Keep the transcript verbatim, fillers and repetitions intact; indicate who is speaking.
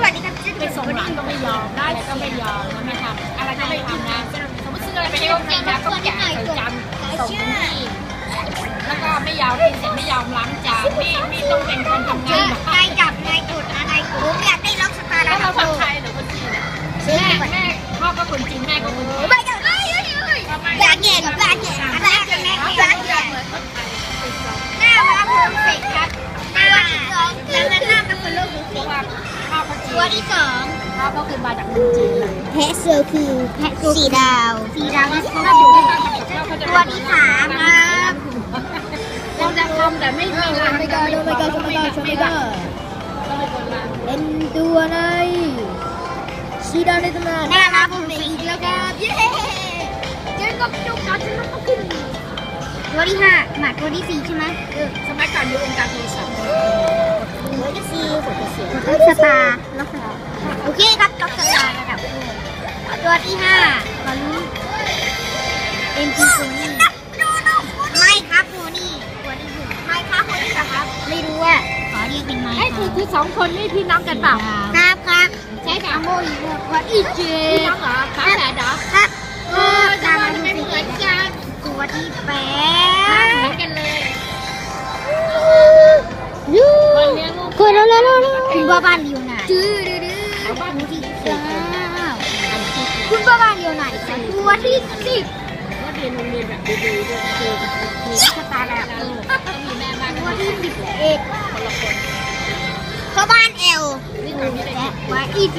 Speaker 1: วัสดีครับ
Speaker 2: ไปส่งหลานก็ไม่ยอมได้ก็ไม่ยอมไม่ทำอะไรก็ไม่ทำนะสมมติซื้ออะไรไปให้เขากินนะก็แกะใส่จานส่งที่แล้วก็ไม่ยอมกินเสร็จไม่ยอมล้างจานไม่ไม่ต้องเป็นคนทำงาน
Speaker 1: นายจับนายกดนายกดผมอยากได้ล็อกสตาร์
Speaker 2: แล้วเราคนไทยหรือคนจีนแม่แม่พ่อก็คนจีนแม่ก็คนไทย
Speaker 1: ไม่ได้เลยอยากแก่กับอยากแก่กับอยากแก่อยากแก่หน้ามาเพอร์เฟกต์ครับตัวที่สองแล้วหน้ามันเป็นโลกเพราะว่า
Speaker 2: พ่อเขาจีน
Speaker 1: ตัวที่สอง
Speaker 2: พ่อเขาคือมาจากเมืองจีนเลย
Speaker 1: แพะเซอร์คือแพะสีดาวสีดาวที่
Speaker 2: ถ้าอยู่ที่บ้านกับข้าวเขาจะ
Speaker 1: ตัวที่สามครับ
Speaker 2: เราจะทำแต่ไม่มีร้านไม่ก็ไม่ก็ไม่ก็ไม่ก็
Speaker 1: เป็นตัวในสีดาวในตำนานหน้ามาผมเป็นอีกแล้วครับเย้เจอกับจุกการชนะก็ขึ้นตัวที่ห้าหมาตัวที่สี่ใช่ไหมเออ
Speaker 2: สมัยก่อนอยู่องค์การโทรศัพท์
Speaker 1: ตัวที่สี่ตัวสตาร์ล็อกสตาร์โอเคครับล็อกสตาร์ระดับตัวที่ห้ามาลุ้นเอ็นจีโพนี่ไม่ครับโพนี่ตัวที่หกไม่ครับโพนี่เหรอครับไม่รู้อ่ะขอเรียกเป็นไม้
Speaker 2: ไอ้คือคือสองคนนี่พี่น้องกันเปล่า
Speaker 1: ครับครับใช่ค่ะโมอีโมวัดอีเจ
Speaker 2: พี่น้องเหรอฝาแฝดเหรอ
Speaker 1: ครับเออ
Speaker 2: จะ
Speaker 1: ตาม
Speaker 2: มา
Speaker 1: มาดู
Speaker 2: ไม่
Speaker 1: สิ
Speaker 2: เหมือนกัน
Speaker 1: ตัวที่แป
Speaker 2: เหมื
Speaker 1: ด
Speaker 2: อนกันเลย
Speaker 1: ยู
Speaker 2: คนเลี้ยงลูก
Speaker 1: คนแล้วแล้วคุณบ้าบ้านเลียวไหนจื้อดื้อดื้อ
Speaker 2: บ้าน
Speaker 1: ตัวที่
Speaker 2: ที่
Speaker 1: เก้าคุณบ้าบ้านเลียวไหนตัวที่สิบ
Speaker 2: ก็เรียนโรงเรียนแบบดีๆด้วยคือมีสตาร์แบบต้องมีแม่บ้าน
Speaker 1: ตัวที่สิบเอ็ด
Speaker 2: คนละคน
Speaker 1: พ่อบ้านเอล
Speaker 2: นี่ทำที่ไหน
Speaker 1: และว่าอี